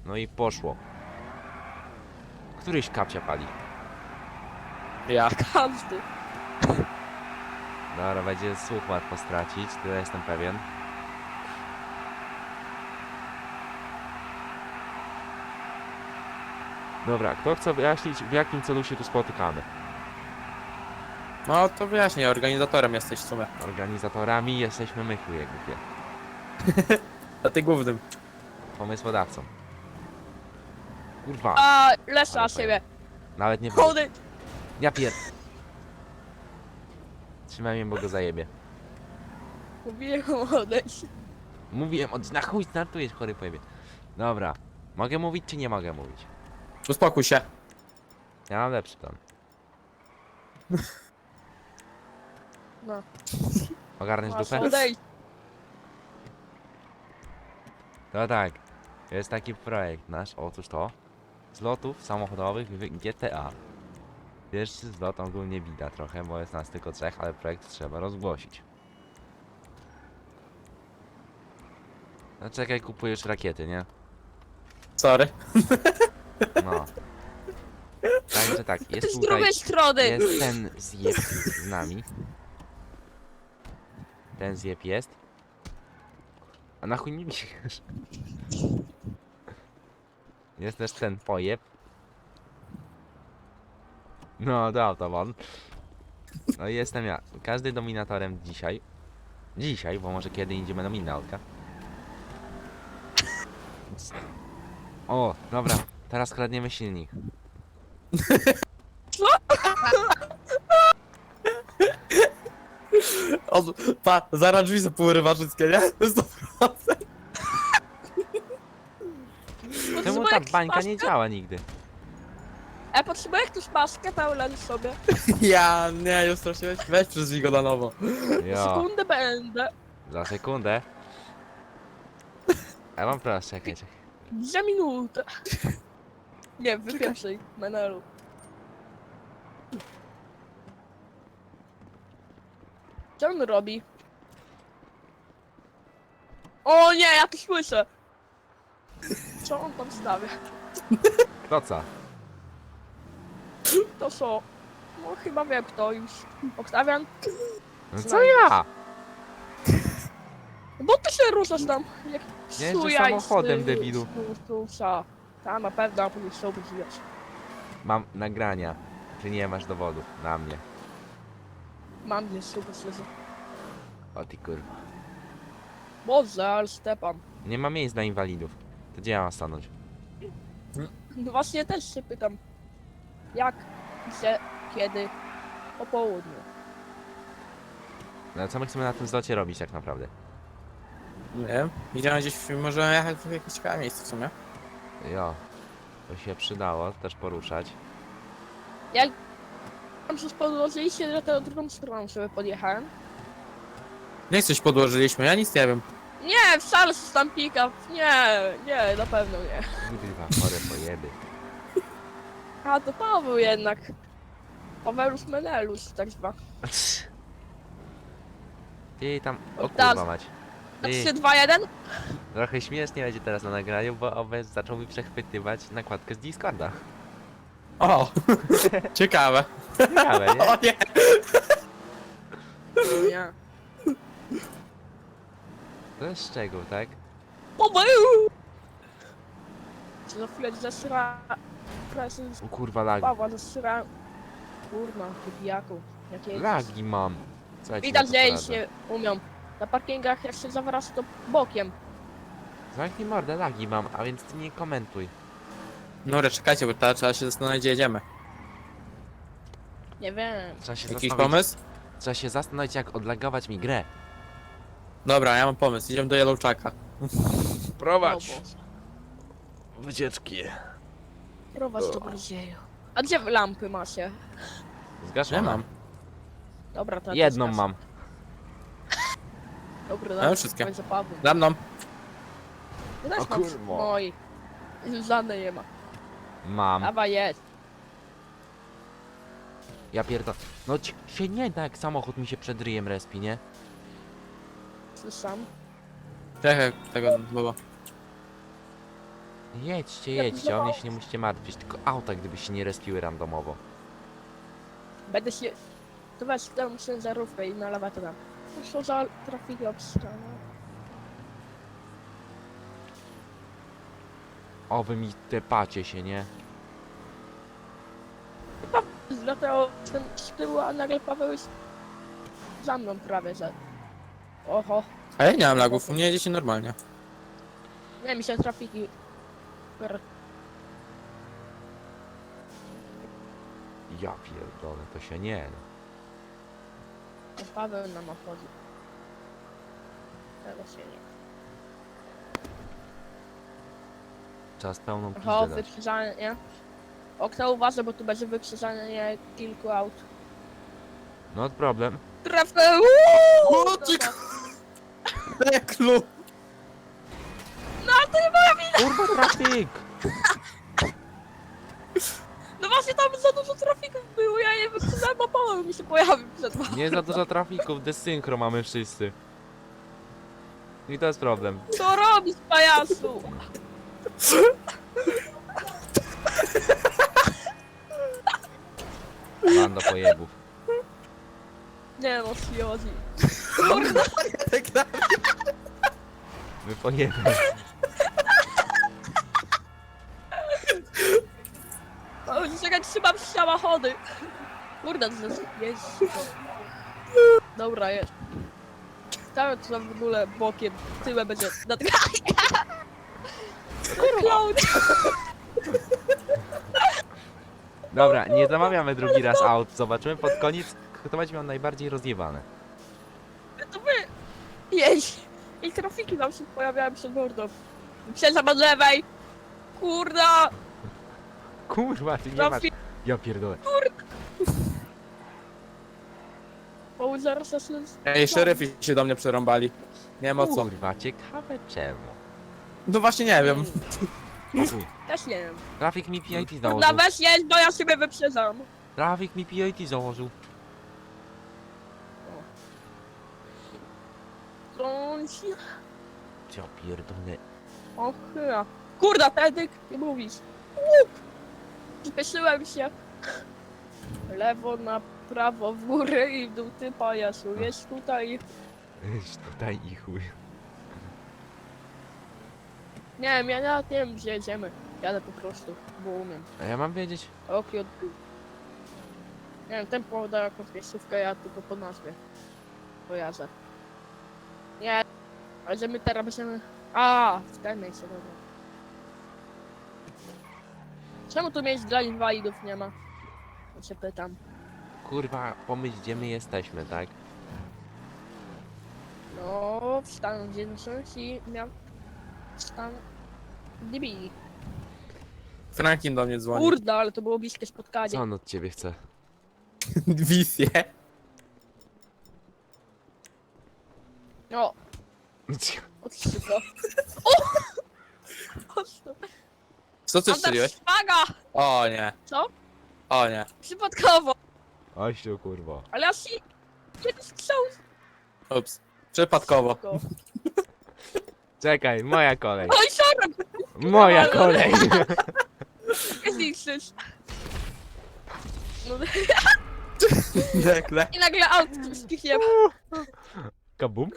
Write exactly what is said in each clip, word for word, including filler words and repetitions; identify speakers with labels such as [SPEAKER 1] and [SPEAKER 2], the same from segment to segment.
[SPEAKER 1] No i poszło. Któryś kapcia pali.
[SPEAKER 2] Ja.
[SPEAKER 3] Każdy.
[SPEAKER 1] Dobra, będzie słuch łatwo stracić, tyle jestem pewien. Dobra, kto chce wyjaśnić, w jakim celu się tu spotykamy?
[SPEAKER 2] No to wyjaśnij, organizatorem jesteś w sumie.
[SPEAKER 1] Organizatorami jesteśmy my, chuje głupie.
[SPEAKER 2] A ty głównym.
[SPEAKER 1] Pomysłodawcą. Kurwa,
[SPEAKER 3] A, lesza
[SPEAKER 1] Ale
[SPEAKER 3] siebie.
[SPEAKER 1] nawet nie wiem.
[SPEAKER 3] Chody.
[SPEAKER 1] Ja pier... Trzymaj mnie, bo go zajebie.
[SPEAKER 3] Mówiłem odejść.
[SPEAKER 1] Mówiłem, od... na chuj startujesz, chory pojebie. Dobra, mogę mówić czy nie mogę mówić?
[SPEAKER 2] Uspokój się.
[SPEAKER 1] Ja mam lepszy plan.
[SPEAKER 3] No.
[SPEAKER 1] Ogarniesz
[SPEAKER 3] Masz
[SPEAKER 1] dupę?
[SPEAKER 3] odejść.
[SPEAKER 1] To tak, jest taki projekt nasz, otóż to. Zlotów samochodowych w G T A. Pierwszy zlot ogólnie bida trochę, bo jest nas tylko trzech, ale projekt trzeba rozgłosić. No czekaj, kupujesz rakiety, nie?
[SPEAKER 2] Sorry.
[SPEAKER 1] No. Także tak, jest
[SPEAKER 3] Z
[SPEAKER 1] tutaj,
[SPEAKER 3] drugiej strony.
[SPEAKER 1] jest ten zjeb z nami. Ten zjeb jest. A na chuj nie biegasz? Jest też ten pojeb. No, to autobahn. No i jestem ja. Każdy dominatorem dzisiaj. Dzisiaj, bo może kiedy indziemy dominatka. O, dobra. Teraz kradniemy silnik.
[SPEAKER 2] O, pa, zaraz drzwi zapływa wszystkie, nie? sto procent.
[SPEAKER 1] Czemu
[SPEAKER 3] Potrzebuję
[SPEAKER 1] ta
[SPEAKER 3] jakąś
[SPEAKER 1] bańka nie
[SPEAKER 3] maskę?
[SPEAKER 1] działa nigdy?
[SPEAKER 3] E, potrzebuję jakąś maskę, pełen sobie.
[SPEAKER 2] Ja, nie, już straszyłeś? Weź przyzwij go na nowo.
[SPEAKER 1] Jo,
[SPEAKER 3] Sekundę będę.
[SPEAKER 1] za sekundę. Ja mam proszę, czekaj, czekaj.
[SPEAKER 3] Za minutę. Nie, wy pierwszej, Menelu. Co on robi? O nie, ja to słyszę. Co on tam stawia?
[SPEAKER 1] To co?
[SPEAKER 3] To co? No chyba wiem kto już. Oktawian?
[SPEAKER 1] No co ja?
[SPEAKER 3] Bo ty się ruszasz tam. Jak
[SPEAKER 1] Jeżdżę
[SPEAKER 3] sujaj z
[SPEAKER 1] samochodem,
[SPEAKER 3] ty-
[SPEAKER 1] debilu.
[SPEAKER 3] z tu- tu- co? Ta na pewno, a później sobie żyjesz.
[SPEAKER 1] Mam nagrania. Ty nie masz dowodów na mnie.
[SPEAKER 3] Mam gdzieś super słyszę.
[SPEAKER 1] O ty kurwa.
[SPEAKER 3] Boże, ale Stepan.
[SPEAKER 1] Nie ma miejsc dla inwalidów. To gdzie ja mam stanąć?
[SPEAKER 3] No właśnie też się pytam. Jak, gdzie, kiedy, po południu.
[SPEAKER 1] No co my chcemy na tym zlocie robić tak naprawdę?
[SPEAKER 2] Nie wiem. Idziemy gdzieś, może jechać w jakieś ciekawe miejsce w sumie.
[SPEAKER 1] Jo. To się przydało też poruszać.
[SPEAKER 3] Jak tam się podłożyliście, że tę drugą stroną sobie podjechałem.
[SPEAKER 2] Nie coś podłożyliśmy, ja nic nie wiem.
[SPEAKER 3] Nie, wcale się tam pick-up. Nie, nie, na pewno nie.
[SPEAKER 1] Kurwa, chore pojeby.
[SPEAKER 3] A to Paweł jednak. Pawełus Menelus, tak zwa.
[SPEAKER 1] Ty tam... O
[SPEAKER 3] Teraz-
[SPEAKER 1] kurwa mać.
[SPEAKER 3] A
[SPEAKER 1] Ty,
[SPEAKER 3] trzy, dwa, jeden?
[SPEAKER 1] trochę śmiesznie będzie teraz na nagraniu, bo Obez zaczął mi przechwytywać nakładkę z Discorda.
[SPEAKER 2] O! Ciekawe.
[SPEAKER 1] Ciekawe, nie?
[SPEAKER 2] O nie!
[SPEAKER 3] Nie.
[SPEAKER 1] To jest szczegół, tak?
[SPEAKER 3] Paweł! Czy za chwilę zasra... Prezes
[SPEAKER 1] O kurwa, lagi.
[SPEAKER 3] Pawła zasra... Kurna, ty pijaku. Jakie...
[SPEAKER 1] Lagi mam. Słuchajcie,
[SPEAKER 3] Widać,
[SPEAKER 1] na
[SPEAKER 3] że
[SPEAKER 1] to
[SPEAKER 3] jeździć
[SPEAKER 1] poradzę.
[SPEAKER 3] nie umią. Na parkingach jak się zawraca to bokiem.
[SPEAKER 1] Zamknij mordę, lagi mam, a więc ty nie komentuj.
[SPEAKER 2] Dobra, czekajcie, bo teraz trzeba się zastanowić, gdzie jedziemy.
[SPEAKER 3] Nie wiem.
[SPEAKER 1] Trzeba się
[SPEAKER 2] Jakiś
[SPEAKER 1] zastanowić,
[SPEAKER 2] pomysł?
[SPEAKER 1] trzeba się zastanowić, jak odlagować mi grę.
[SPEAKER 2] Dobra, ja mam pomysł. Idziemy do Yellowchaka.
[SPEAKER 3] O Boże.
[SPEAKER 1] Wycieczki.
[SPEAKER 3] Prowadź do Brazylii. A gdzie wy lampy macie?
[SPEAKER 1] Zgaszone.
[SPEAKER 2] Nie mam.
[SPEAKER 3] Dobra, to ja
[SPEAKER 1] Jedną
[SPEAKER 3] też
[SPEAKER 1] mam.
[SPEAKER 3] Dobra,
[SPEAKER 2] mam
[SPEAKER 3] dam
[SPEAKER 2] wszystkie.
[SPEAKER 3] za Pawłem.
[SPEAKER 2] Za mną.
[SPEAKER 3] Ty też
[SPEAKER 1] O
[SPEAKER 3] masz.
[SPEAKER 1] kurwa.
[SPEAKER 3] Oj. Żadnej nie ma.
[SPEAKER 1] Mam.
[SPEAKER 3] Dawa jest.
[SPEAKER 1] Ja pierdol... No ci się nie da, jak samochód mi się przed ryjem respi, nie?
[SPEAKER 3] Słyszam.
[SPEAKER 2] Czekaj, tego było.
[SPEAKER 1] Jedźcie,
[SPEAKER 3] Ja
[SPEAKER 1] jedźcie, o mnie
[SPEAKER 3] próbowałam.
[SPEAKER 1] się nie musicie martwić, tylko auta gdyby się nie respiły randomowo.
[SPEAKER 3] Będę się... To weź tę ciężarówkę i na lewa to dam. Co za trafiki obstrana.
[SPEAKER 1] O, wy mi tepacie się, nie?
[SPEAKER 3] Dlatego ten z tyłu, a nagle Paweł jest za mną prawie, że... Oho.
[SPEAKER 2] A ja nie mam lagów, u mnie jedzie się normalnie.
[SPEAKER 3] Nie, mi się trafiki... per-
[SPEAKER 1] Ja pierdolę, to się nie da.
[SPEAKER 3] to Paweł nam obchodzi. Tego się nie...
[SPEAKER 1] Czas pełną
[SPEAKER 3] Oho,
[SPEAKER 1] pizdę dać.
[SPEAKER 3] wykrzyżanie. Okno uważa, bo tu będzie wykrzyżanie kilku aut.
[SPEAKER 1] No problem.
[SPEAKER 3] Trafę!
[SPEAKER 2] O, ty Teklu!
[SPEAKER 3] No to nie moja wina!
[SPEAKER 1] Kurwa, trafik!
[SPEAKER 3] No właśnie tam za dużo trafików było, ja nie wyprzedzałem, a Paweł mi się pojawił przed wami.
[SPEAKER 1] Nie za dużo trafików, desynchro mamy wszyscy. I to jest problem.
[SPEAKER 3] Co robisz, pajacu?
[SPEAKER 1] Banda pojebów.
[SPEAKER 3] Nie no, Siodzi. Kurde,
[SPEAKER 1] My pojeby.
[SPEAKER 3] o, czekaj, trzymam samochody. Kurde, to jest... jest. Dobra, jest. Tam to w ogóle bokiem, tyłem będzie... Nad... Clown!
[SPEAKER 1] Dobra, nie zamawiamy drugi raz aut. Zobaczymy pod koniec, kto będzie miał najbardziej rozjebane.
[SPEAKER 3] To wy... Jeźdź! I trafiki wam się pojawiają przed mordą. Przejazd od lewej! Kurda!
[SPEAKER 1] Kurwa, ty nie masz...
[SPEAKER 3] Trafik!
[SPEAKER 1] Ja pierdolę.
[SPEAKER 3] Bo zaraz nas...
[SPEAKER 2] Ej, szeryfi się do mnie przerąbali. Nie wiem o co.
[SPEAKER 1] Kurwa, ciekawe czemu.
[SPEAKER 2] No właśnie nie wiem.
[SPEAKER 1] Chuj.
[SPEAKER 3] Też nie wiem.
[SPEAKER 1] Trafik mi P I T
[SPEAKER 3] Kurda,
[SPEAKER 1] założył.
[SPEAKER 3] weź jeźdź, bo ja siebie wyprzedzam.
[SPEAKER 1] Trafik mi P I T założył.
[SPEAKER 3] Trąci...
[SPEAKER 1] Ja pierdolę.
[SPEAKER 3] O chyba. Kurda, Tedyk, nie mówisz. Łup! Spieszyłem się. Lewo, na prawo, w górę i w dół, ty pajacu. Jest tutaj.
[SPEAKER 1] Weź tutaj i chuj.
[SPEAKER 3] Nie wiem, ja nawet nie wiem, gdzie jedziemy. Jadę po prostu, bo umiem.
[SPEAKER 1] A ja mam wiedzieć?
[SPEAKER 3] Oki od góry. Nie wiem, ten poda jakąś miejscówkę, ja tylko po nazwie kojarzę. Nie, ale że my teraz będziemy... A, w tej miejscu, dobra. Czemu tu miejsc dla inwalidów nie ma? Ja się pytam.
[SPEAKER 1] Kurwa, pomyśl gdzie my jesteśmy, tak?
[SPEAKER 3] No, w Stanach Zjednoczonych i miał... Stan... D B.
[SPEAKER 2] Franklin do mnie dzwoni.
[SPEAKER 3] Kurde, ale to było bliskie spotkanie.
[SPEAKER 1] Co on od ciebie chce?
[SPEAKER 2] Wizję.
[SPEAKER 3] O, odszybko. O! Ostro.
[SPEAKER 2] Co ty strzeliłeś?
[SPEAKER 3] Szpaga!
[SPEAKER 2] O nie.
[SPEAKER 3] Co?
[SPEAKER 2] O nie.
[SPEAKER 3] Przypadkowo.
[SPEAKER 1] Ościu, kurwa.
[SPEAKER 3] Ale ja się... Kiedy strzał...
[SPEAKER 2] Ups. Przypadkowo.
[SPEAKER 3] Go.
[SPEAKER 1] Czekaj, moja kolej.
[SPEAKER 3] Oj, sorry!
[SPEAKER 1] Moja kolej.
[SPEAKER 3] Nie zniszczysz. No
[SPEAKER 2] Dekle.
[SPEAKER 3] i nagle aut z kichiem.
[SPEAKER 1] Kabum?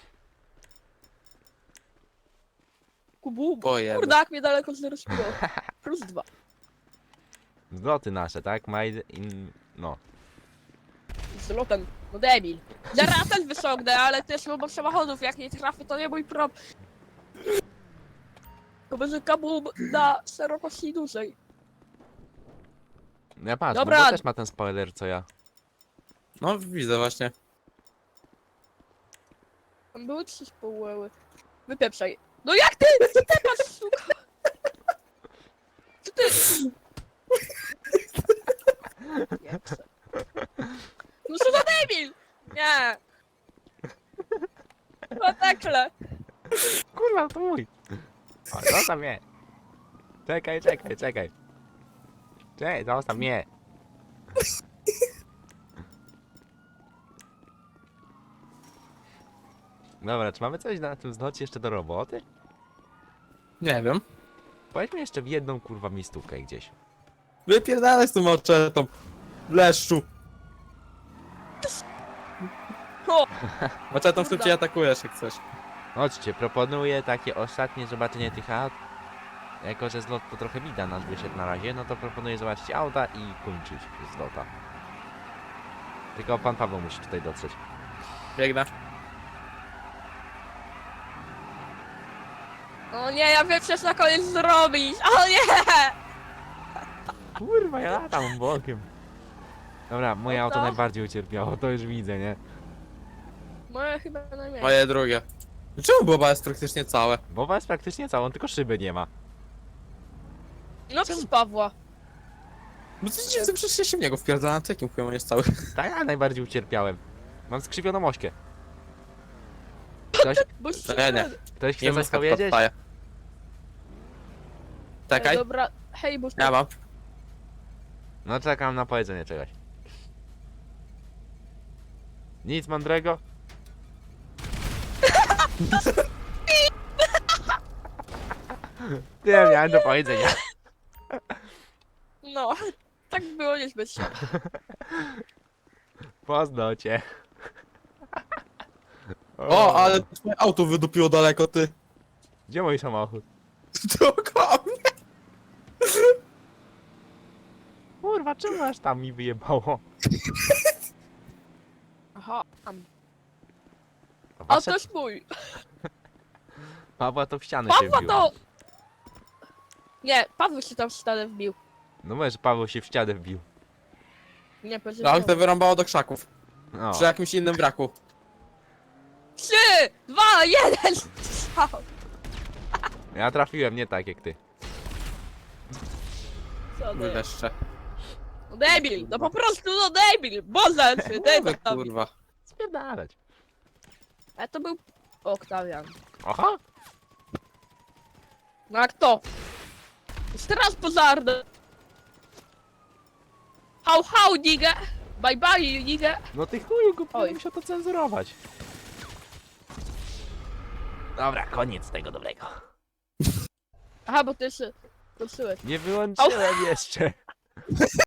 [SPEAKER 3] Kubu.
[SPEAKER 2] Pojeb.
[SPEAKER 3] Kurde, jak mnie daleko zrespiło. Plus dwa.
[SPEAKER 1] Zloty nasze, tak? Made in... no.
[SPEAKER 3] Z lotem. No debil. Zaraz też wyciągnę, ale też obok samochodów, jak nie trafię, to nie mój problem. To będzie kabum na szerokości dużej.
[SPEAKER 1] Ja patrz,
[SPEAKER 3] Dobra.
[SPEAKER 1] bo też ma ten spoiler co ja.
[SPEAKER 2] No widzę właśnie.
[SPEAKER 3] Tam były trzy społy. Wypieprzaj. No jak ty? Co ty masz, suka? Co ty? Nie chcę. No co za debil! Nie! No tekle!
[SPEAKER 1] Kurwa, to mój. O, zostaw mnie. Czekaj, czekaj, czekaj. Czekaj, zostaw mnie. Dobra, czy mamy coś na tym zlocie jeszcze do roboty?
[SPEAKER 2] Nie wiem.
[SPEAKER 1] Pojedźmy jeszcze w jedną kurwa miejscówkę gdzieś.
[SPEAKER 2] Wypierdalaj z tą maczetą. Leszczu.
[SPEAKER 3] O!
[SPEAKER 2] Maczetą szybciej atakujesz jak coś.
[SPEAKER 1] Chodźcie, proponuję takie ostatnie zobaczenie tych aut. Jako, że zlot to trochę widać nas wyszedł na razie, no to proponuję zobaczyć auta i kończyć zlota. Tylko pan Paweł musi tutaj dotrzeć.
[SPEAKER 2] Biegnę.
[SPEAKER 3] O nie, ja wiem, co na koniec zrobić! O nie!
[SPEAKER 1] Kurwa, ja latam bokiem. Dobra, moje
[SPEAKER 3] No
[SPEAKER 1] auto
[SPEAKER 3] to?
[SPEAKER 1] najbardziej ucierpiało, to już widzę, nie?
[SPEAKER 3] Moje chyba najmniej.
[SPEAKER 2] Moje drugie. Czemu Boba jest praktycznie całe?
[SPEAKER 1] Boba jest praktycznie całą, tylko szyby nie ma.
[SPEAKER 3] No przez Pawła.
[SPEAKER 2] No co dziwne, przecież ja się w niego wpierdalam, to jakim chujem on jest cały?
[SPEAKER 1] Tak, ja najbardziej ucierpiałem. Mam skrzywioną ośkę. Ktoś,
[SPEAKER 3] Bo
[SPEAKER 2] Nie, nie.
[SPEAKER 1] ktoś chce
[SPEAKER 2] Nie
[SPEAKER 1] coś
[SPEAKER 2] muska
[SPEAKER 1] powiedzieć?
[SPEAKER 2] podstaje. Czekaj,
[SPEAKER 3] Dobra, hej, bo
[SPEAKER 2] ja mam.
[SPEAKER 1] No czekam na powiedzenie czegoś. Nic mądrego? Nie miałem do powiedzenia.
[SPEAKER 3] No, tak było niezbyt się.
[SPEAKER 1] Poznał cię.
[SPEAKER 2] O, ale twoje auto wydupiło daleko, ty.
[SPEAKER 1] Gdzie mój samochód?
[SPEAKER 2] Dookoła mnie.
[SPEAKER 1] Kurwa, czemu aż tam mi wyjebało?
[SPEAKER 3] Aha, tam.
[SPEAKER 1] A
[SPEAKER 3] A
[SPEAKER 1] wasze...
[SPEAKER 3] to jest mój.
[SPEAKER 1] Pawła to w ścianę się
[SPEAKER 3] Pawła
[SPEAKER 1] wbił.
[SPEAKER 3] to... Nie, Paweł się tam w ścianę wbił.
[SPEAKER 1] No mówię, że Paweł się w ścianę wbił.
[SPEAKER 3] Nie, powiedział.
[SPEAKER 2] No, ale to wyrąbało do krzaków.
[SPEAKER 1] No.
[SPEAKER 2] Przy jakimś innym braku.
[SPEAKER 3] Trzy, dwa, jeden! Strzał.
[SPEAKER 1] Ja trafiłem, nie tak jak ty.
[SPEAKER 3] Co
[SPEAKER 2] Mój
[SPEAKER 3] ty?
[SPEAKER 2] leszcze.
[SPEAKER 3] No debil, no po prostu no debil! Boże, czy
[SPEAKER 2] Mówię,
[SPEAKER 3] debil tam.
[SPEAKER 2] kurwa.
[SPEAKER 1] Spierdalać.
[SPEAKER 3] A to był Oktawian.
[SPEAKER 1] Aha!
[SPEAKER 3] No a kto? Straż pożarna. How how nigga? Bye bye nigga.
[SPEAKER 1] No ty chuju, go
[SPEAKER 3] Oj.
[SPEAKER 1] musiał to cenzurować. Dobra, koniec tego dobrego.
[SPEAKER 3] Aha, bo ty jeszcze... Kończyłeś.
[SPEAKER 1] Nie wyłączyłem jeszcze.